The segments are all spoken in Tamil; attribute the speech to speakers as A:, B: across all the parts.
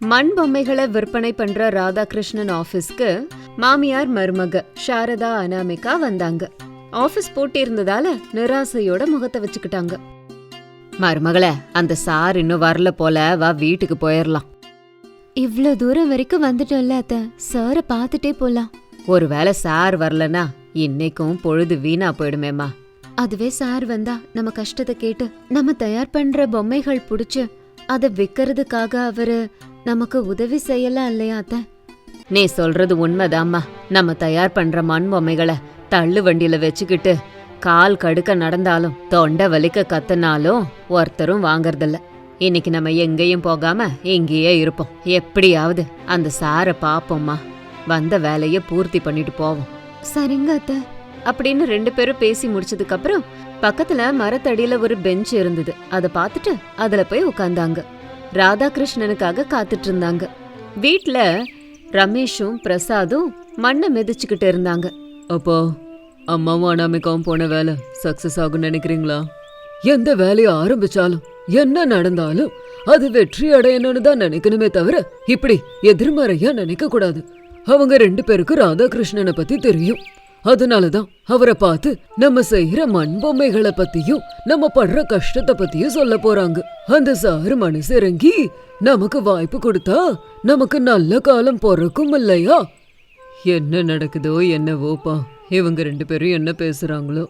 A: மண் பொம்மைகளை விற்பனை பண்ற ராதாகிருஷ்ணன் ஆபீஸ்க்கு மாமியார் மருமக சாரதா அனாமிகா வந்தாங்க. ஆபீஸ் போட்டி இருந்ததால நிராசையோட முகத்தை வச்சுக்கிட்டாங்க. மருமகளே, அந்த சார் இன்னும் வரல போல, வா வீட்டுக்கு போயிடலாம்.
B: இவ்ளோ தூரம் வரைக்கும் வந்துட்டோம்ல அத்த, சாரை பாத்துட்டே போலாம்.
A: ஒருவேளை சார் வரலனா இன்னைக்கும் பொழுது வீணா போயிடுமேமா.
B: அதுவே சார் வந்தா நம்ம கஷ்டத்தை கேட்டு நம்ம தயார் பண்ற பொம்மைகள் புடிச்சு அத விக்கிறதுக்காக அவரு நமக்கு உதவி செய்யலாம் இல்லையா அத்த?
A: நீ சொல்றது உண்மைதாம்மா. நம்ம தயார் பண்ற மண் பொம்மைகளை தள்ளு வண்டியில வச்சுக்கிட்டு கால் கடுக்க நடந்தாலும் தொண்டை வலிக்க கத்துனாலும் ஒருத்தரும் வாங்கறதில்ல. இன்னைக்கு நம்ம எங்கேயும் போகாம இங்கேயே இருப்போம். எப்படியாவது அந்த சாரை பாப்போம்மா, வந்த வேலைய பூர்த்தி பண்ணிட்டு போவோம்.
B: சரிங்க அத்த
A: அப்படின்னு 2 பேரும் பேசி முடிச்சதுக்கு அப்புறம் பக்கத்துல மரத்தடியில ஒரு பெஞ்ச் இருந்தது. அத பாத்துட்டு அதுல போய் உட்கார்ந்தாங்க. ராதாகிருஷ்ணனுக்காக காத்துட்டு இருந்தாங்க. வீட்ல ரமேஷும் பிரசாதும் மண்ணை மிதிச்சுக்கிட்டு இருந்தாங்க.
C: அப்பா, அம்மாவும் அனாமிகாவும் போன வேலை சக்சஸ் ஆகும் நினைக்கிறீங்களா? எந்த வேலையை ஆரம்பிச்சாலும் என்ன நடந்தாலும் அது வெற்றி அடையணும்னு தான் நினைக்கணுமே தவிர இப்படி எதிர்மறையா நினைக்க கூடாது. அவங்க 2 பேருக்கு ராதாகிருஷ்ணனை பத்தி தெரியும். அதனாலதான் அவரை பார்த்து நம்ம செய்யற மண் பொம்மைகளை பத்தியும் நம்ம படுற கஷ்டத்தை பத்தியும் சொல்ல போறாங்க. அந்த சாரு மனசு இறங்கி நமக்கு வாய்ப்பு கொடுத்தா நமக்கு நல்ல காலம் பிறக்கும் இல்லையா? என்ன நடக்குதோ என்னவோப்பா, இவங்க 2 பேரும் என்ன பேசுறாங்களோ.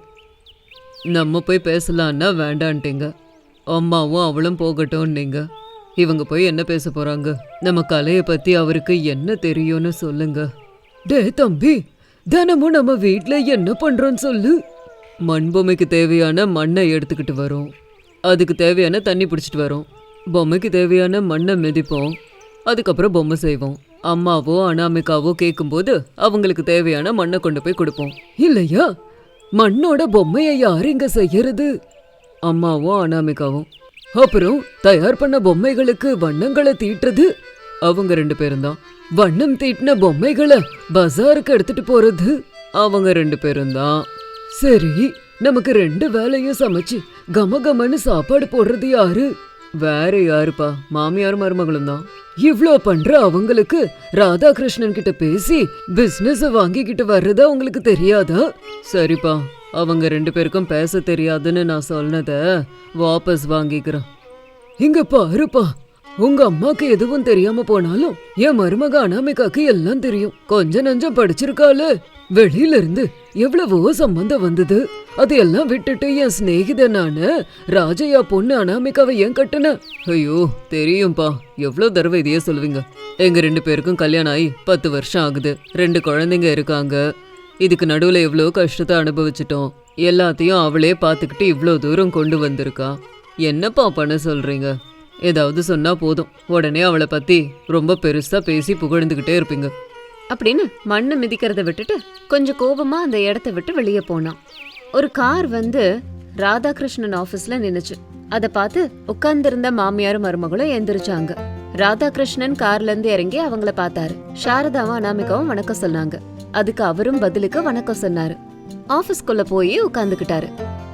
C: நம்ம போய் பேசலான்னா வேண்டான்ட்டீங்க. அம்மாவும் அவளும் போகட்டும் நீங்க. இவங்க போய் என்ன பேச போறாங்க? நம்ம கலைய பத்தி அவருக்கு என்ன தெரியும்னு சொல்லுங்க. டே தம்பி, தினமும் நம்ம வீட்ல என்ன பண்றோம்னு சொல்லு. மண் பொம்மைக்கு தேவையான மண்ணை எடுத்துக்கிட்டு வரோம், அதுக்கு தேவையான தண்ணி பிடிச்சிட்டு வரோம், பொம்மைக்கு தேவையான மண்ணை மிதிப்போம், அதுக்கப்புறம் பொம்மை செய்வோம். அம்மாவோ அனாமிகாவோ கேட்கும்போது அவங்களுக்கு தேவையான மண்ணை கொண்டு போய் கொடுப்போம் இல்லையா? மண்ணோட பொம்மையை யார் இங்க செய்யறது? அம்மாவும் அனாமிகாவும். அப்புறம் தயார் பண்ண பொம்மைகளுக்கு வண்ணங்களை தீட்டுறது அவங்க 2 பேரும் தான். வண்ணம் தீட்டின பொம்மைகளை பஜாருக்கு எடுத்துட்டு போறது அவங்க 2 பேரும் தான். சரி, நமக்கு 2 வேலையும் சமைச்சு கமகமன்னு சாப்பாடு போடுறது யாரு? வேற யாருப்பா, மாமியார் மருமகளும் தான். இவ்ளோ பண்ற அவங்களுக்கு ராதாகிருஷ்ணன் கிட்ட பேசி பிசினஸ் வாங்கிக்கிட்டு வர்றது அவங்களுக்கு தெரியாதா? சரிப்பா, அவங்க 2 பேருக்கும் பேச தெரியாதுன்னு நான் சொன்னத வாபஸ் வாங்கிக்கிறேன். இங்க பாருப்பா, உங்க அம்மாக்கு எதுவும் தெரியாம போனாலும் என் மருமக அனாமிகாக்கு எல்லாம் தெரியும். கொஞ்ச நஞ்சம் படிச்சிருக்காளு. வெளியில இருந்து எவ்வளவோ சம்பந்தம் வந்தது. அதையெல்லாம் விட்டுட்டு என் சிநேகிதனான ராஜையா பொண்ணு அனாமிகாவை ஏன் கட்டுன? ஐயோ தெரியும்பா, எவ்வளவு தடவை இதையே சொல்லுவீங்க. எங்க 2 பேருக்கும் கல்யாணம் ஆகி 10 வருஷம் ஆகுது. 2 குழந்தைங்க இருக்காங்க. இதுக்கு நடுவுல எவ்வளோ கஷ்டத்தை அனுபவிச்சிட்டோம். எல்லாத்தையும் அவளே பார்த்துக்கிட்டு இவ்வளோ தூரம் கொண்டு வந்திருக்கா. என்னப்பா பண்ண சொல்றீங்க? ஏதாவது சொன்னா போதும் உடனே அவளை பத்தி ரொம்ப பெருசா பேசி புகழ்ந்துகிட்டே இருப்பீங்க
A: அப்படின்னு மண்ணை மிதிக்கிறத விட்டுட்டு கொஞ்சம் கோபமா அந்த இடத்த விட்டு வெளியே போனான். ஒரு கார் வந்து ராதாகிருஷ்ணன் ஆபீஸ்ல நின்னுச்சு. அத பார்த்து உட்கார்ந்திருந்த மாமியாரும் மருமகளும் எந்திரிச்சாங்க. ராதாகிருஷ்ணன் கார்ல இருந்து இறங்கி அவங்கள பார்த்தாரு. சாரதாவும் அனாமிகாவும் வணக்கம் சொன்னாங்க. அதுக்கு அவரும் பதிலுக்கு வணக்கம் சொன்னாரு. ஆபீஸ்க்குள்ள போய் உட்கார்ந்துகிட்டாரு.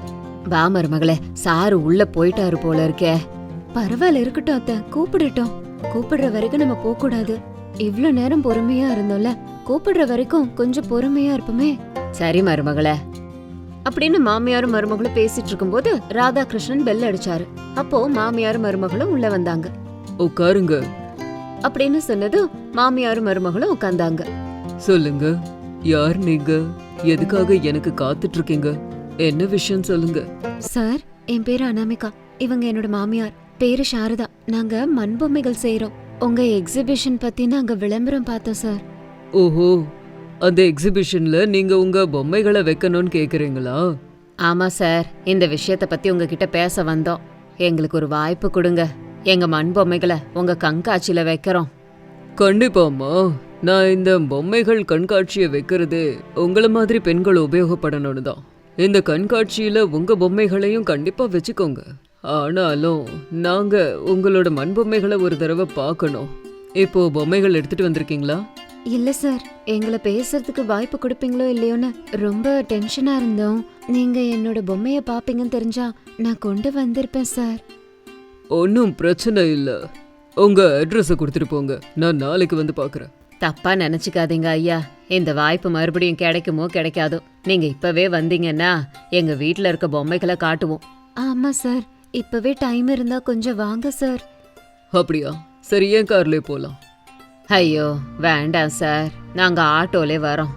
A: வா மருமகளே, சாரு உள்ள போயிட்டாரு போல இருக்கே.
B: பரவாயில்ல, இருக்கட்டும் அத்த, கூப்பிடட்டும். கூப்பிடுற வரைக்கும் நம்ம போக கூடாது. இவ்ளோ நேரம் பொறுமையா இருந்தோம்ல, கூப்பிடுற வரைக்கும் கொஞ்சம் பொறுமையா இருப்போமே.
A: சரி மருமகளே அப்படின்னு மாமியாரும் மருமகளும் பேசிட்டு இருக்கும்போது ராதாகிருஷ்ணன் பெல் அடிச்சாரு. அப்போ மாமியாரும் மருமகளும் உள்ள வந்தாங்க.
C: உட்காருங்க
A: அப்படின்னு சொன்னதும் மாமியாரும் மருமகளும் உட்கார்ந்தாங்க.
C: சொல்லுங்க, யார் நீங்க? எதுக்காக எனக்கு காத்துட்டு இருக்கீங்க? என்ன விஷயம் சொல்லுங்க.
B: சார், என் பேரு அனாமிகா. இவங்க என்னோட மாமியார். பேரு சாரதா. நாங்க மண் பொம்மைகள் செய்யறோம். உங்க எக்ஸிபிஷன் பத்தி நாங்க விளம்பரம் பார்த்தோம் சார்.
C: ஓஹோ, அந்த எக்ஸிபிஷன்ல நீங்க உங்க பொம்மைகளை வைக்கணும்னு கேக்குறீங்களா?
A: ஆமா சார், இந்த விஷயத்த பத்தி உங்ககிட்ட பேச வந்தோம். எங்களுக்கு ஒரு வாய்ப்பு கொடுங்க. எங்க மண் பொம்மைகளை உங்க கண்காட்சியில வைக்கிறோம்.
C: கண்டிப்பாம்மா. நான் இந்த பொம்மைகள் கண்காட்சியை வைக்கிறது உங்களை மாதிரி பெண்கள் உபயோகப்படணும்னு தான். இந்த கண்காட்சியில உங்க பொம்மைகளையும் கண்டிப்பா வச்சுக்கோங்க. ஆனாலும் நாங்க உங்களோட மண் பொம்மைகளை ஒரு தடவை பார்க்கணும். இப்போ பொம்மைகள் எடுத்துட்டு வந்திருக்கீங்களா?
B: இல்ல சார், எங்களை பேசுறதுக்கு வாய்ப்பு கொடுப்பீங்களோ இல்லையோன்னு ரொம்ப டென்ஷனா இருந்தோம். நீங்க என்னோட பொம்மைய பாப்பீங்கன்னு தெரிஞ்சா நான் கொண்டு வந்திருப்பேன் சார்.
C: ஒன்றும் பிரச்சனை இல்லை. உங்க அட்ரஸ கொடுத்துட்டு போங்க, நான் நாளைக்கு வந்து பாக்குறேன்.
A: தப்பா நினைச்சுக்காதீங்க ஐயா, இந்த வாய்ப்பு மறுபடியும் கிடைக்குமோ கிடைக்காதோ. நீங்க இப்பவே வந்தீங்கன்னா எங்க வீட்ல இருக்க பொம்மைகளை காட்டுவோம்.
B: ஆமா சார், இப்பவே டைம் இருந்தா கொஞ்சம் வாங்க சார்.
C: அப்படியா? சரி, ஏன் கார்லயே போலாம்.
A: ஐயோ வேண்டாம் சார், நாங்க ஆட்டோலே வரோம்.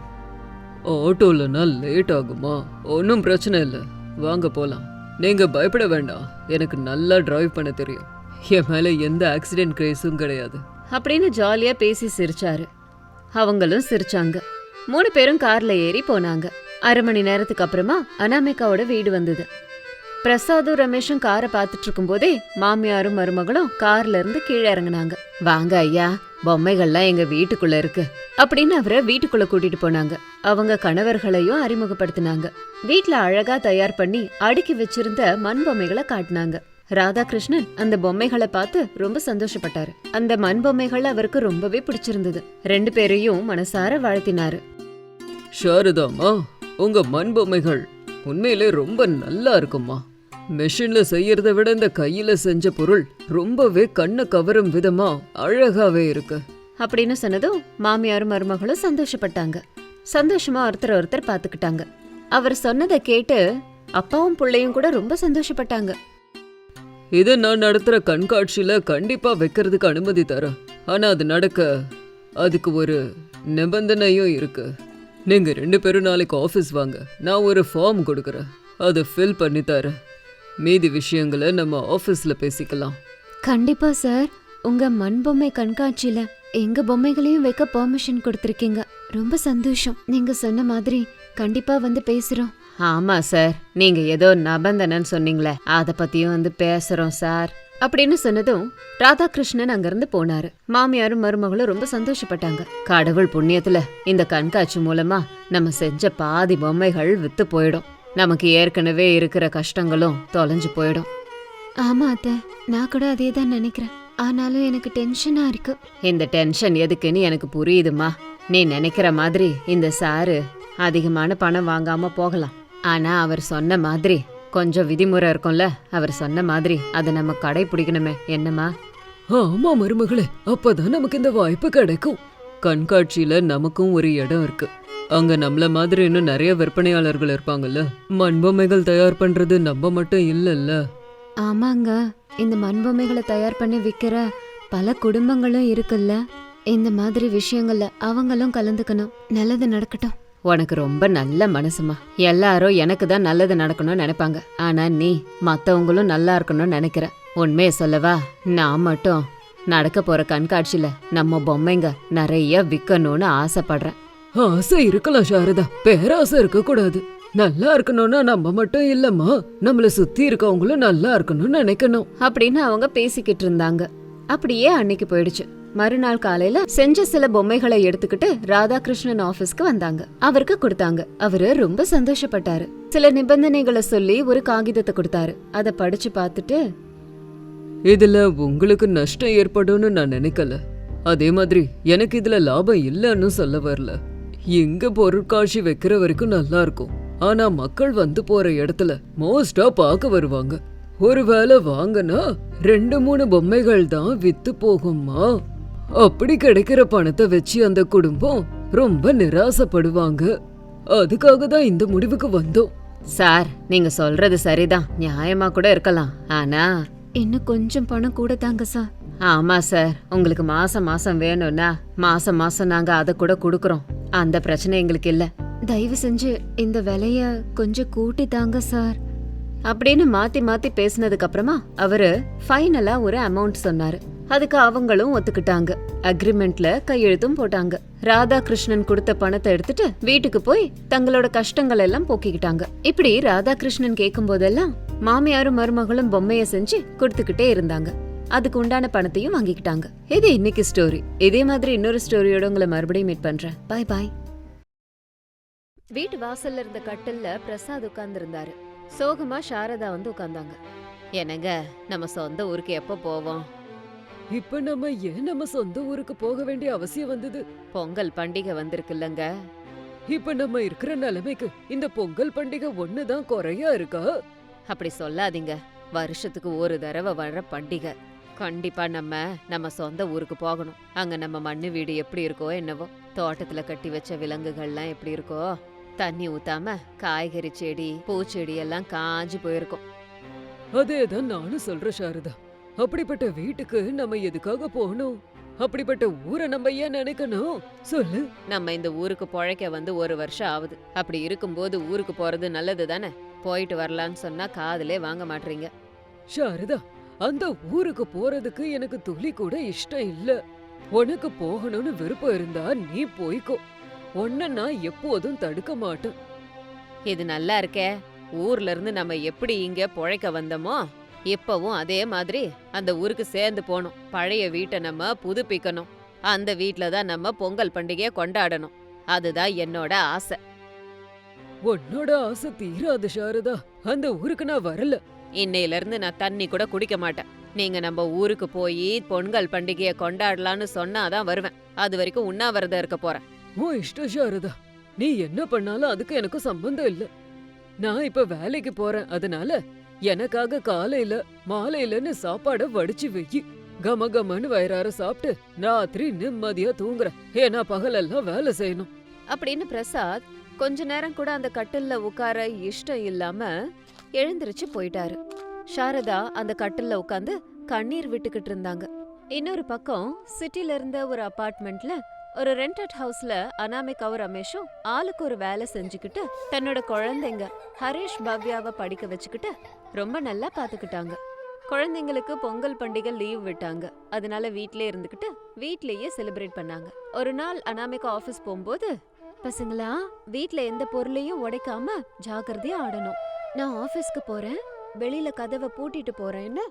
C: ஆட்டோலனா லேட் ஆகுமா? ஒன்றும் பிரச்சனை இல்லை, வாங்க போலாம். நீங்க பயப்பட வேண்டாம், எனக்கு நல்லா டிரைவ் பண்ண தெரியும். என் மேல எந்த ஆக்சிடென்ட் கேஸும் கிடையாது.
A: அப்படின்னு ஜாலியா பேசி சிரிச்சாரு. அவங்களும் சிரிச்சாங்க. 3 பேரும் கார்ல ஏறி போனாங்க. 1/2 மணி நேரத்துக்கு அப்புறமா அனாமிகாவோட வீடு வந்தது. பிரசாதும் ரமேஷும் காரை பார்த்துட்டு இருக்கும்போதே மாமியாரும் மருமகளும் கார்ல இருந்து கீழே இறங்குனாங்க. வாங்க ஐயா, பொம்மைகள்லாம் எங்க வீட்டுக்குள்ள இருக்கு அப்படின்னு அவரை வீட்டுக்குள்ள கூட்டிட்டு போனாங்க. அவங்க கணவர்களையும் அறிமுகப்படுத்தினாங்க. வீட்ல அழகா தயார் பண்ணி அடுக்கி வச்சிருந்த மண் பொம்மைகளை காட்டினாங்க. ராதாகிருஷ்ணன் அந்த பொம்மைகளை பார்த்து ரொம்ப சந்தோஷப்பட்டாரு. அந்த மண் பொம்மைகள் அவருக்கு ரொம்பவே பிடிச்சிருந்தது. 2 பேரையும் மனசார வாழ்த்தினாரு.
C: ஷாரதாமா, உங்க மண் பொம்மைகள் உண்மையிலே ரொம்ப நல்லா இருக்குமா. மெஷின்ல செய்யறத விட இந்த கையில செஞ்ச பொருள் ரொம்பவே கண்ணை கவரும் விதமா அழகாவே இருக்கு
A: அப்படின்னு சொன்னதும் மாமியாரும் மருமகளும் சந்தோஷப்பட்டாங்க. சந்தோஷமா ஒருத்தர் பாத்துக்கிட்டாங்க. அவர் சொன்னதை கேட்டு அப்பாவும் பிள்ளையும் கூட ரொம்ப சந்தோஷப்பட்டாங்க.
C: இதை நான் நடத்துற கண்காட்சியில கண்டிப்பா வைக்கிறதுக்கு அனுமதி தரேன். ஆனா அது நடக்க அதுக்கு ஒரு நிபந்தனையும் இருக்கு. நீங்க 2 பேரும் நாளைக்கு ஆஃபீஸ் வாங்க, நான் ஒரு ஃபார்ம் கொடுக்குறேன், அதை ஃபில் பண்ணி தரேன். மீதி விஷயங்களை நம்ம ஆஃபீஸ்ல பேசிக்கலாம்.
B: கண்டிப்பா சார், உங்க மண் பொம்மை கண்காட்சியில எங்க பொம்மைகளையும் வைக்க பெர்மிஷன் கொடுத்திருக்கீங்க. ரொம்ப சந்தோஷம். நீங்க சொன்ன மாதிரி கண்டிப்பா வந்து பேசுறோம்.
A: ஆமா சார், நீங்க ஏதோ நிபந்தனைன்னு சொன்னீங்களே, அத பத்தியும் வந்து பேசுறோம் சார் அப்படின்னு சொன்னதும் ராதாகிருஷ்ணன் அங்கிருந்து போனாரு. மாமியாரும் மருமகளும் ரொம்ப சந்தோஷப்பட்டாங்க. கடவுள் புண்ணியத்துல இந்த கண்காட்சி மூலமா நம்ம செஞ்ச பாதி பொம்மைகள் வித்து போயிடும். நமக்கு ஏற்கனவே இருக்கிற கஷ்டங்களும் தொலைஞ்சு போயிடும்.
B: ஆமா அத்தை, நான் கூட அதே தான் நினைக்கிறேன். ஆனாலும் எனக்கு டென்ஷனா இருக்கு.
A: இந்த டென்ஷன் எதுக்குன்னு எனக்கு புரியுதுமா. நீ நினைக்கிற மாதிரி இந்த சாரு அதிகமான பணம் வாங்காம போகலாம். ஆனா அவர் சொன்ன மாதிரி கொஞ்சம் விதிமுறை இருக்கும்ல, அவர் சொன்ன மாதிரி அதை நம்ம கடைபிடிக்கணுமே, என்னம்மா?
C: ஆமா மருமகளே, அப்பதான் நமக்கு இந்த வாய்ப்பு கிடைக்கும். கண்காட்சியில நமக்கும் ஒரு இடம் இருக்கு. அங்க நம்மள மாதிரி இன்னும் நிறைய விற்பனையாளர்கள் இருப்பாங்கல்ல. மண்பொம்மைகள் தயார் பண்றது நம்ம மட்டும் இல்லல்ல.
B: ஆமாங்க, இந்த மண் பொம்மைகளை தயார் பண்ணி விக்கிற பல குடும்பங்களும் இருக்குல்ல. இந்த மாதிரி விஷயங்கள்ல அவங்களும் கலந்துக்கணும். நல்லது நடக்கட்டும்.
A: உனக்கு ரொம்ப நல்ல மனசுமா. எல்லாரும் எனக்கு தான் நல்லது நடக்கணும்னு நினைப்பாங்க, ஆனா நீ மத்தவங்களும் நல்லா இருக்கணும்னு நினைக்கிற. உண்மையை சொல்லவா, நான் மட்டும் நடக்க போற கண்காட்சியில நம்ம பொம்மைங்க நிறைய விற்கணும்னு ஆசைப்படுறேன்.
C: ஆசை இருக்கலாம் சாரதா, பேராசை இருக்க கூடாது. நல்லா இருக்கணும்னா நம்ம மட்டும் இல்லம்மா, நம்மள சுத்தி இருக்கவங்களும் நல்லா இருக்கணும்னு நினைக்கணும்
A: அப்படின்னு அவங்க பேசிக்கிட்டு இருந்தாங்க. அப்படியே அன்னைக்கு போயிடுச்சு. மறுநாள் காலையில செஞ்ச சில பொம்மைகளை எடுத்துக்கிட்டு ராதாகிருஷ்ணன் ஆபீஸ்க்கு வந்தாங்க. அவருக்கு கொடுத்தாங்க. அவரு ரொம்ப சந்தோஷப்பட்டாரு. சில நிபந்தனைகளை சொல்லி ஒரு காகிதத்தை கொடுத்தாரு. அதை படிச்சு பார்த்துட்டு,
C: இதுல உங்களுக்கு நஷ்டம் ஏற்படும்னு நான் நினைக்கல, அதே மாதிரி எனக்கு இதுல லாபம் இல்லைன்னு சொல்ல வரல. எங்க பொருட்காட்சி வைக்கிற வரைக்கும் நல்லா இருக்கும். ஆனா மக்கள் வந்து போற இடத்துல மோஸ்டா பார்க்க வருவாங்க. ஒருவேளை வாங்கினா 2-3 பொம்மைகள் தான் வித்து போகுமா. அப்படி கிடைக்கிற பணத்தை வச்சு அந்த குடும்பம் ரொம்ப நிராசப்படுவாங்க. அதுக்காக தான் இந்த முடிவுக்கு வந்தோம்.
A: சார் நீங்க சொல்றது சரிதான், நியாயமா கூட இருக்கலாம். ஆனா
B: இன்னும் கொஞ்சம் பணம் கூட தாங்க சார்.
A: ஆமா சார், உங்களுக்கு மாசம் மாசம் வேணும்னா மாசம் மாசம் நாங்க அதை கூட கொடுக்கறோம். அந்த பிரச்சனை எங்களுக்கு இல்ல.
B: தயவு செஞ்சு இந்த விலைய கொஞ்சம் கூட்டி தாங்க சார்
A: அப்படின்னு மாத்தி மாத்தி பேசினதுக்கு அப்புறமா அவரு ஃபைனலா ஒரு அமௌண்ட் சொன்னாரு. அதுக்கு அவங்களும் ஒத்துக்கிட்டாங்க. அக்ரிமெண்ட்ல கையெழுத்தும் போட்டாங்க. ராதாகிருஷ்ணன் கொடுத்த பணத்தை எடுத்துட்டு வீட்டுக்கு போய் தங்களோட கஷ்டங்கள் எல்லாம் போக்கிக்கிட்டாங்க. இப்படி ராதாகிருஷ்ணன் கேட்கும் போதெல்லாம் மாமியாரும் மருமகளும் பொம்மைய செஞ்சு கொடுத்துக்கிட்டே இருந்தாங்க. அதுக்கு உண்டான பணத்தையும் வாங்கிக்கிட்டாங்க. இது இன்னைக்கு ஸ்டோரி. இதே மாதிரி இன்னொரு ஸ்டோரியோட உங்களை மறுபடியும் மீட் பண்றேன். பாய் பாய். வீட்டு வாசல்ல இருந்த கட்டில்ல பிரசாத் உட்கார்ந்து இருந்தாரு. சோகமா சாரதா வந்து உட்கார்ந்தாங்க. என்னங்க, நம்ம சொந்த ஊருக்கு எப்ப போவோம்?
C: இப்ப நம்ம ஏன் நம்ம சொந்த ஊருக்கு போக வேண்டிய அவசியம் வந்தது?
A: பொங்கல் பண்டிகை வந்திருக்குல்லங்க.
C: இப்ப நம்ம இருக்கிற நிலைமைக்கு இந்த பொங்கல் பண்டிகை ஒண்ணுதான் குறையா இருக்கா?
A: அப்படி சொல்லாதீங்க. வருஷத்துக்கு ஒரு தடவை வர்ற பண்டிகை. கண்டிப்பா நம்ம சொந்த ஊருக்கு போகணும். அங்க நம்ம மண்ணு வீடு எப்படி இருக்கோ என்னவோ, தோட்டத்துல கட்டி வச்ச விலங்குகள்லாம் எப்படி இருக்கோ, தண்ணி ஊத்தாம காய்கறி செடி பூச்செடி எல்லாம் காஞ்சு போயிருக்கும்.
C: அதேதான் நானும் சொல்றேன் சாரதா. அப்படிப்பட்ட வீட்டுக்கு நம்ம எதுக்காக போகணும்? அப்படிப்பட்ட ஊரை நம்ம ஏன் நினைக்கணும் சொல்லு.
A: நம்ம இந்த ஊருக்கு பொழைக்க வந்து 1 வருஷம் ஆகுது. அப்படி இருக்கும்போது ஊருக்கு போறது நல்லது தானே. போயிட்டு வரலான்னு சொன்னா காதுலே வாங்க மாட்டீங்க.
C: சாரதா, அந்த ஊருக்கு போறதுக்கு எனக்கு துளி கூட இஷ்டம் இல்ல. உனக்கு போகணும்னு விருப்பம் இருந்தா நீ போய்க்கோ. உன்னை நான் எப்போதும் தடுக்க மாட்டேன்.
A: இது நல்லா இருக்கே. ஊர்ல இருந்து நம்ம எப்படி இங்க பொழைக்க வந்தோமோ இப்பவும் அதே மாதிரி அந்த ஊருக்கு சேர்ந்து போகணும். பழைய வீட்டை நம்ம புதுப்பிக்கணும். அந்த வீட்ல தான் நம்ம பொங்கல் பண்டிகையை கொண்டாடணும். அதுதான் என்னோட ஆசை.
C: உன்னோட ஆசை தீராது சாரதா. அந்த ஊருக்கு நான் வரல.
A: இன்னையில இருந்து நான் தண்ணி கூட குடிக்க மாட்டேன். நீங்க நம்ம ஊருக்கு போய் பொங்கல் பண்டிகையை கொண்டாடலான்னு சொன்னாதான் வருவேன். அது வரைக்கும் உண்ணாவிரதம் இருக்க போறேன்.
C: உன் இஷ்டம் சாரதா. நீ என்ன பண்ணாலும் அதுக்கு எனக்கு சம்பந்தம் இல்ல. நான் இப்ப வேலைக்கு போறேன். அதனால எனக்காக காலையில மாலையிலன்னு சாப்பாட வடிச்சு வெயி. கமகமன்னு வயிறார சாப்பிட்டு ராத்திரி நிம்மதியா தூங்குறேன். ஏன்னா பகலெல்லாம் வேலை செய்யணும்
A: அப்படின்னு பிரசாத் கொஞ்ச நேரம் கூட அந்த கட்டில்ல உட்கார இஷ்டம் இல்லாம எழுந்திருச்சு போயிட்டாரு. சாரதா அந்த கட்டில்ல உட்காந்து கண்ணீர் விட்டுக்கிட்டு இருந்தாங்க. இன்னொரு பக்கம் சிட்டில இருந்த ஒரு அபார்ட்மெண்ட்ல ஒரு ரெண்டட் ஹவுஸ்ல அனாமிகாவும் ரமேஷும் ஆளுக்கு ஒரு வேலை செஞ்சுக்கிட்டு தன்னோட குழந்தைங்க ஹரிஷ் பவ்யாவை படிக்க வச்சுக்கிட்டு ரொம்ப நல்லா பாத்துக்கிட்டாங்க. குழந்தைங்களுக்கு பொங்கல் பண்டிகை லீவ் விட்டாங்க. அதனால வீட்லயே இருந்துகிட்டு வீட்லயே செலிப்ரேட் பண்ணாங்க. ஒரு நாள் அனாமிகா ஆபீஸ் போகும்போது,
B: பசங்களா, வீட்ல எந்த பொருளையும் உடைக்காம ஜாக்கிரதையா ஆடணும். நான் ஆபீஸ்க்கு போறேன், வெளியில கதவை பூட்டிட்டு போறேன்னு.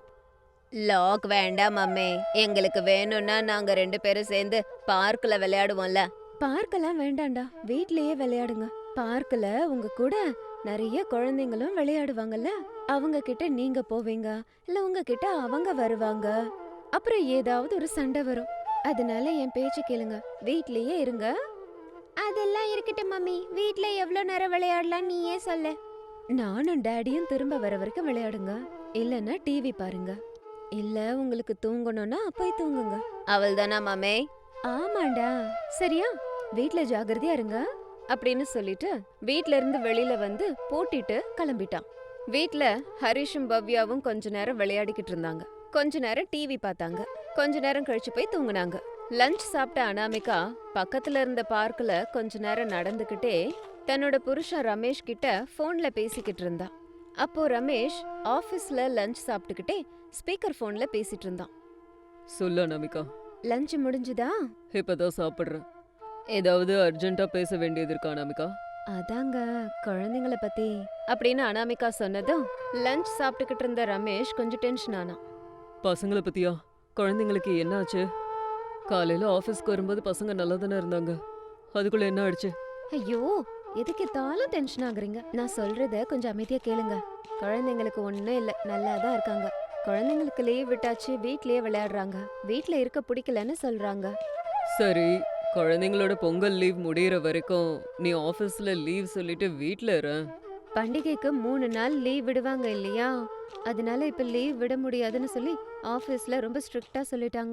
A: லாக் வேண்டாம் அம்மே. எங்களுக்கு வேணும்னா நாங்க 2 பேரும் சேர்ந்து பார்க்ல விளையாடுவோம்ல.
B: பார்க்கெல்லாம் வேண்டாண்டா, வீட்லயே விளையாடுங்க. பார்க்ல உங்க கூட நிறைய குழந்தைங்களும் விளையாடுவாங்கல்ல. அவங்க கிட்ட நீங்க போவீங்க, இல்ல உங்க கிட்ட அவங்க வருவாங்க. அப்புறம் ஏதாவது ஒரு சண்டை வரும். அதனால என் பேச்சு கேளுங்க, வீட்லயே இருங்க. அதெல்லாம் இருக்கட்டும் மம்மி, வீட்ல எவ்வளவு நேரம் விளையாடலாம் நீயே சொல்லு. நானும் டாடியும் திரும்ப வர வரைக்கும் விளையாடுங்க, இல்லன்னா டிவி பாருங்க. இல்ல உங்களுக்கு தூங்கணும்னா போய் தூங்குங்க.
A: அவள் தானா மாமே?
B: ஆமாண்டா. சரியா, வீட்ல ஜாகிரதையா இருங்க
A: அப்படின்னு சொல்லிட்டு வீட்ல இருந்து வெளியில வந்து பூட்டிட்டு கிளம்பிட்டான். வீட்ல ஹரிஷும் பவ்யாவும் கொஞ்ச நேரம் விளையாடிக்கிட்டு இருந்தாங்க. கொஞ்ச நேரம் டிவி பார்த்தாங்க. கொஞ்ச நேரம் கழிச்சு போய் தூங்குனாங்க. லஞ்ச் சாப்பிட்ட அனாமிகா பக்கத்துல இருந்த பார்க்ல கொஞ்ச நேரம் நடந்துகிட்டே தன்னோட புருஷன் ரமேஷ் கிட்ட போன்ல பேசிக்கிட்டு இருந்தா. அப்போ ரமேஷ் ஆபீஸ்ல லஞ்ச் சாப்பிட்டுக்கிட்டே ஸ்பீக்கர் போன்ல பேசிட்டு இருந்தான்.
C: சொல்ல அனாமிகா.
B: லஞ்ச் முடிஞ்சுதா?
C: இப்பதான் சாப்பிடுறேன். ஏதாவது அர்ஜென்ட்டா பேச வேண்டியது இருக்கா அனாமிகா?
B: அதாங்க குழந்தைங்கள பத்தி
A: அப்படின்னு அனாமிகா சொன்னதும் லஞ்ச் சாப்பிட்டுக்கிட்டு இருந்த ரமேஷ் கொஞ்சம் டென்ஷன் ஆனான்.
C: பசங்களை பத்தியா? குழந்தைங்களுக்கு என்ன ஆச்சு? காலையில ஆபீஸ்க்கு வரும்போது பசங்க நல்லா தானே இருந்தாங்க. அதுக்குள்ள என்ன ஆயிடுச்சு?
B: ஐயோ, எதுக்கு எத்தாலும் டென்ஷன் ஆகுறீங்க? நான் சொல்றத கொஞ்சம் அமைதியா கேளுங்க. குழந்தைங்களுக்கு ஒண்ணும் இல்ல, நல்லா தான் இருக்காங்க. குழந்தைங்களுக்கு லீவ் விட்டாச்சு, வீட்லயே விளையாடுறாங்க. வீட்ல இருக்க பிடிக்கலன்னு சொல்றாங்க.
C: சரி, குழந்தைங்களோட பொங்கல் லீவ் முடியற வரைக்கும் நீ ஆபீஸ்ல லீவ் சொல்லிட்டு வீட்ல இரு.
B: பண்டிகைக்கு 3 நாள் லீவ் விடுவாங்க இல்லையா? அதனால இப்ப லீவ் விட முடியாதுன்னு சொல்லி ஆபீஸ்ல ரொம்ப ஸ்ட்ரிக்ட்டா சொல்லிட்டாங்க.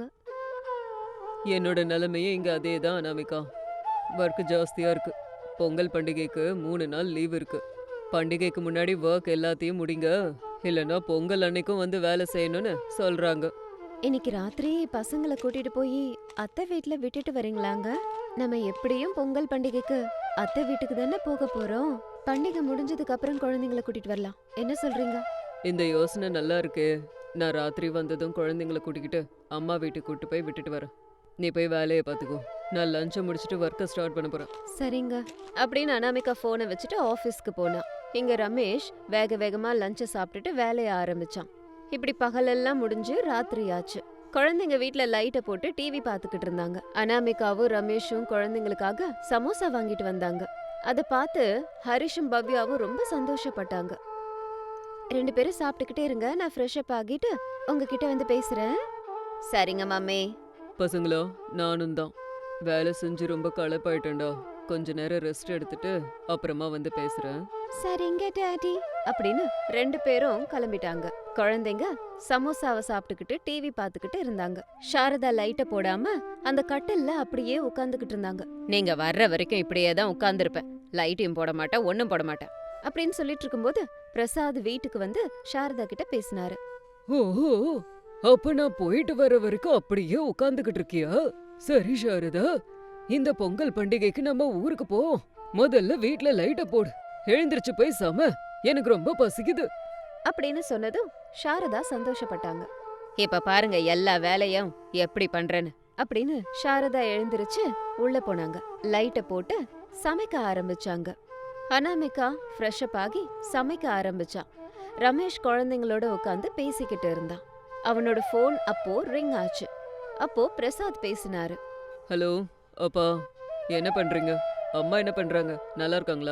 C: என்னோட நிலைமையே இங்க அதே தான் அனாமிகா. ஒர்க் ஜாஸ்தியா இருக்கு. பொங்கல் பண்டிகைக்கு 3 நாள் லீவ் இருக்கு. பண்டிகைக்கு முன்னாடி ஒர்க் எல்லாத்தையும் முடிங்க, இல்லைன்னா பொங்கல் அன்னைக்கும் வந்து வேலை செய்யணும்னு சொல்றாங்க.
B: இன்னைக்கு ராத்திரி பசங்களை கூட்டிட்டு போய் அத்தை வீட்ல விட்டுட்டு வரீங்களாங்க? நம்ம எப்படியும் பொங்கல் பண்டிகைக்கு அத்தை வீட்டுக்கு தானே போக போறோம். பண்டிகை முடிஞ்சதுக்கு அப்புறம் குழந்தைங்களை கூட்டிட்டு வரலாம். என்ன சொல்றீங்க?
C: இந்த யோசனை நல்லா இருக்கே. நான் ராத்திரி வந்ததும் குழந்தைங்களை கூட்டிக்கிட்டு அம்மா வீட்டுக்கு கூட்டு போய் விட்டுட்டு வரேன். நீ போய் வேலையை பார்த்துக்கோ. நான் லஞ்சை முடிச்சுட்டு ஒர்க்கை ஸ்டார்ட் பண்ண போறேன்.
B: சரிங்க
A: அப்படின்னு அனாமிகா போனை வச்சுட்டு ஆபீஸ்க்கு போனா. இங்க ரமேஷ் வேக வேகமா லஞ்சை சாப்பிட்டுட்டு வேலைய ஆரம்பிச்சான். இப்படி பகலெல்லாம் முடிஞ்சு ராத்திரி ஆச்சு. குழந்தைங்க வீட்ல லைட்டை போட்டு டிவி பாத்துக்கிட்டு இருந்தாங்க. அனாமிகாவும் ரமேஷும் குழந்தைங்களுக்காக சமோசா வாங்கிட்டு வந்தாங்க. அத பார்த்து ஹரிஷும் பவ்யாவும் ரொம்ப சந்தோஷப்பட்டாங்க.
B: 2 பேரும் சாப்பிட்டுக்கிட்டே இருங்க, நான் ஃப்ரெஷ் அப் ஆகிட்டு உங்ககிட்ட வந்து பேசுறேன்.
A: சரிங்க மாமே.
C: பசங்களா, நானும் தான் வேலை செஞ்சு ரொம்ப களைப்பாயிட்டேன்டா. கொஞ்ச நேரம் ரெஸ்ட் எடுத்துட்டு அப்புறமா வந்து பேசுறேன்.
B: சரிங்க டாடி
A: அப்படின்னு 2 பேரும் கிளம்பிட்டாங்க.
B: குழந்தைங்க சமோசாவை சாப்பிட்டுக்கிட்டு டிவி பார்த்துக்கிட்டு இருந்தாங்க. சாரதா லைட்ட போடாம அந்த கட்டில்ல அப்படியே உட்கார்ந்துகிட்டு இருந்தாங்க. நீங்க வர்ற வரைக்கும் இப்படியே தான் உட்கார்ந்துருப்பேன், லைட்டையும் போட மாட்டேன், ஒன்னும் போட மாட்டேன் அப்படின்னு சொல்லிட்டு இருக்கும்போது பிரசாத் வீட்டுக்கு வந்து சாரதா கிட்ட பேசினாரு.
C: ஓஹோ, அப்ப நான் போயிட்டு வர வரைக்கும் அப்படியே உட்கார்ந்துகிட்டு இருக்கியா? சரி சாரதா, இந்த பொங்கல் பண்டிகைக்கு நம்ம ஊருக்கு போவோம். முதல்ல வீட்ல லைட்ட போடு, எழுந்திருச்சு போய் சம, எனக்கு ரொம்ப பசிக்குது
B: அப்படின்னு சொன்னதும் சாரதா சந்தோஷப்பட்டாங்க. இப்ப பாருங்க எல்லா வேலையும் எப்படி பண்றேன்னு அப்படின்னு சாரதா எழுந்திருச்சு உள்ள போனாங்க. லைட்ட போட்டு சமைக்க ஆரம்பிச்சாங்க. அனாமிகா ஃப்ரெஷ் அப் ஆகி சமைக்க ஆரம்பிச்சான். ரமேஷ் குழந்தைங்களோட உட்காந்து பேசிக்கிட்டு இருந்தான். அவனோட ஃபோன் அப்போ ரிங் ஆச்சு. அப்போ பிரசாத் பேசினாரு.
C: ஹலோ அப்பா, என்ன பண்றீங்க? அம்மா என்ன பண்றாங்க? நல்லா இருக்காங்களா?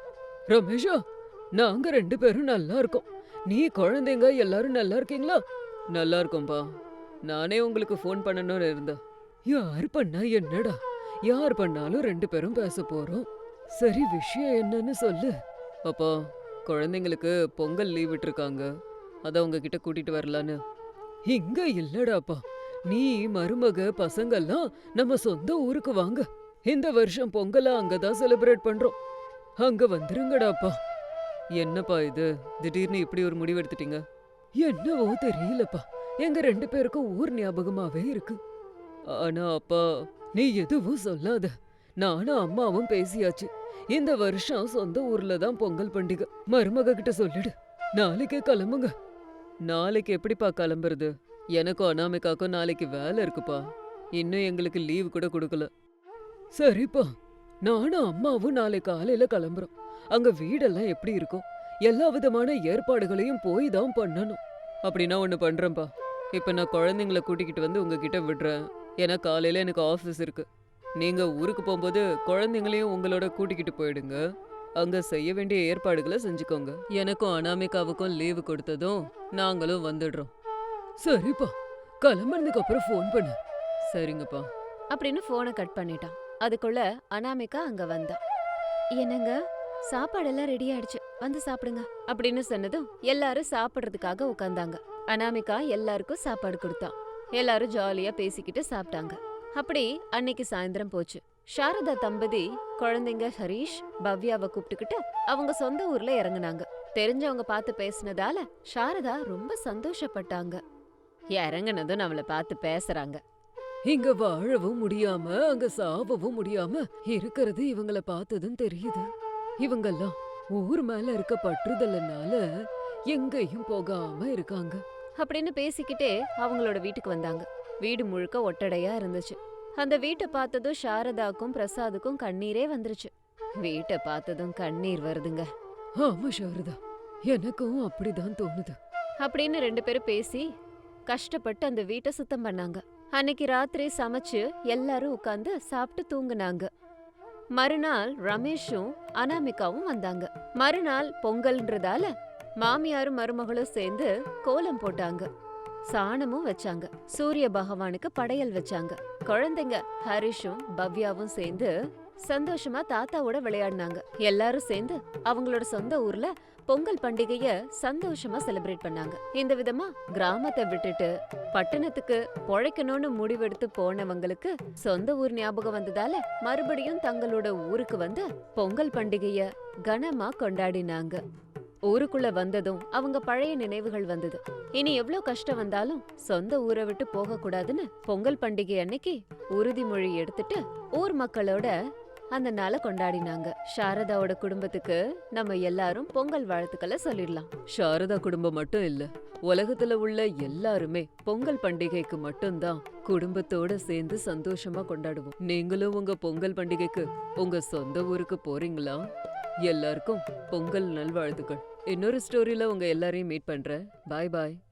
C: ரமேஷா, நாங்க 2 பேரும் நல்லா இருக்கோம். நீ குழந்தைங்க எல்லாரும் நல்லா இருக்கீங்களா? நல்லா இருக்கோம்பா. நானே உங்களுக்கு ஃபோன் பண்ணணும்னு இருந்தேன். யார் பண்ணா என்னடா, யார் பண்ணாலும் 2 பேரும் பேச போறோம். சரி, விஷயம் என்னன்னு சொல்லு. அப்பா, குழந்தைங்களுக்கு பொங்கல் லீவ் விட்டுருக்காங்க, அதான் உங்ககிட்ட கூட்டிட்டு வரலான்னு. இங்க இல்லடாப்பா, நீ மருமக பசங்கெல்லாம் நம்ம சொந்த ஊருக்கு வாங்க. இந்த வருஷம் பொங்கலை அங்கதான் செலிப்ரேட் பண்றோம், அங்க வந்துருங்கடாப்பா. என்னப்பா இது, திடீர்னு இப்படி ஒரு முடிவு எடுத்துட்டீங்க? என்னவோ தெரியலப்பா, எங்க 2 பேருக்கும் ஊர் ஞாபகமாவே இருக்கு. ஆனா அப்பா, நீ எதுவும் சொல்லாத. நானும் அம்மாவும் பேசியாச்சு, இந்த வருஷம் சொந்த ஊர்ல தான் பொங்கல் பண்டிகை. மருமக கிட்ட சொல்லிடு, நாளைக்கே கிளம்புங்க. நாளைக்கு எப்படிப்பா கிளம்புறது? எனக்கும் அனாமிகாக்கும் நாளைக்கு வேலை இருக்குப்பா, இன்னும் எங்களுக்கு லீவு கூட கொடுக்கல. சரிப்பா, நானும் அம்மாவும் நாளை காலையில கிளம்புறோம். அங்க வீடெல்லாம் எப்படி இருக்கும், எல்லா விதமான ஏற்பாடுகளையும் போய் தான் பண்ணணும். அப்படின்னா ஒண்ணு பண்றேன்ப்பா, இப்ப நான் குழந்தைங்கள கூட்டிக்கிட்டு வந்து உங்ககிட்ட விடுறேன். ஏன்னா காலையில எனக்கு ஆஃபீஸ் இருக்கு. நீங்க ஊருக்கு போகும்போது குழந்தைங்களையும் உங்களோட கூட்டிக்கிட்டு போயிடுங்க. அங்க செய்ய வேண்டிய ஏற்பாடுகளை செஞ்சுக்கோங்க. எனக்கும் அனாமிகாவுக்கும் லீவு கொடுத்ததும் நாங்களும் வந்துடுறோம். சரிப்பா, கிளம்புனதுக்கு அப்புறம் ஃபோன் பண்ணு. சரிங்கப்பா
B: அப்படின்னு போனை கட் பண்ணிட்டான். அதுக்குள்ள அனாமிகா அங்க வந்தா. என்னங்க, சாப்பாடெல்லாம் ரெடி ஆயிடுச்சு, வந்து சாப்பிடுங்க அப்படின்னு சொன்னதும் எல்லாரும் சாப்பிடுறதுக்காக உட்கார்ந்தாங்க. அனாமிகா எல்லாருக்கும் சாப்பாடு கொடுத்தான். எல்லாரும் ஜாலியா பேசிக்கிட்டு சாப்பிட்டாங்க. அப்படி அன்னைக்கு சாயந்தரம் போச்சு. சாரதா தம்பதி குழந்தைங்க ஹரீஷ் பவ்யாவை கூப்பிட்டுக்கிட்டு அவங்க சொந்த ஊர்ல இறங்குனாங்க. தெரிஞ்சவங்க பார்த்து பேசினதால சாரதா ரொம்ப சந்தோஷப்பட்டாங்க. இறங்குனதும் நம்மள பார்த்து பேசுறாங்க.
C: இங்க வாழவும் முடியாம அங்க சாவவும் முடியாம இருக்கிறது இவங்கள பார்த்ததும் தெரியுது. இவங்கெல்லாம் ஊர் மேல இருக்க பற்றுதல்னால எங்கேயும் போகாம இருக்காங்க
B: அப்படின்னு பேசிக்கிட்டே அவங்களோட வீட்டுக்கு வந்தாங்க. வீடு முழுக்க ஒட்டடையா இருந்துச்சு. அந்த வீட்டை பார்த்ததும் சாரதாக்கும் பிரசாதுக்கும் கண்ணீரே வந்துருச்சு. வீட்டை பார்த்ததும் கண்ணீர் வருதுங்க.
C: ஆமா சாரதா, எனக்கும் அப்படிதான் தோணுது
B: அப்படின்னு 2 பேரும் பேசி கஷ்டப்பட்டு அந்த வீட்டை சுத்தம் பண்ணாங்க. அன்னைக்கு ராத்திரி சமைச்சு எல்லாரும் உட்கார்ந்து சாப்பிட்டு தூங்குனாங்க. மறுநாள் ரமேஷும் அனாமிகாவும் வந்தாங்க. மறுநாள் பொங்கல்ன்றதால மாமியாரும் மருமகளும் சேர்ந்து கோலம் போட்டாங்க. சாணமும் வச்சாங்க. சூரிய பகவானுக்கு படையல் வச்சாங்க. குழந்தைங்க ஹரிஷும் பவ்யாவும் சேர்ந்து சந்தோஷமா தாத்தாவோட விளையாடினாங்க. எல்லாரும் சேர்ந்து அவங்களோட சொந்த ஊர்ல பொங்கல் பண்டிகைய சந்தோஷமா செலிப்ரேட் பண்ணாங்க. இந்த விதமா கிராமத்தை விட்டுட்டு பட்டணத்துக்கு பொழைக்கணும்னு முடிவெடுத்து போனவங்களுக்கு சொந்த ஊர் ஞாபகம் வந்ததால மறுபடியும் தங்களோட ஊருக்கு வந்து பொங்கல் பண்டிகைய கனமா கொண்டாடினாங்க. ஊருக்குள்ள வந்ததும் அவங்க பழைய நினைவுகள் வந்தது. இனி எவ்ளோ கஷ்டம் வந்தாலும் சொந்த ஊரை விட்டு போக கூடாதுன்னு பொங்கல் பண்டிகை அன்னைக்கு உறுதிமொழி எடுத்துட்டு ஊர் மக்களோட அந்த நாளை கொண்டாடினாங்க. சாரதாவோட குடும்பத்துக்கு நம்ம எல்லாரும் பொங்கல் வாழ்த்துக்களை சொல்லிடலாம்.
C: சாரதா குடும்பம் மட்டும் இல்ல, உலகத்துல உள்ள எல்லாருமே பொங்கல் பண்டிகைக்கு மட்டும்தான் குடும்பத்தோட சேர்ந்து சந்தோஷமா கொண்டாடுவோம். நீங்களும் உங்க பொங்கல் பண்டிகைக்கு உங்க சொந்த ஊருக்கு போறீங்களா? எல்லாருக்கும் பொங்கல் நல்வாழ்த்துக்கள். இன்னொரு ஸ்டோரியில உங்க எல்லாரையும் மீட் பண்றேன். பாய் பாய்.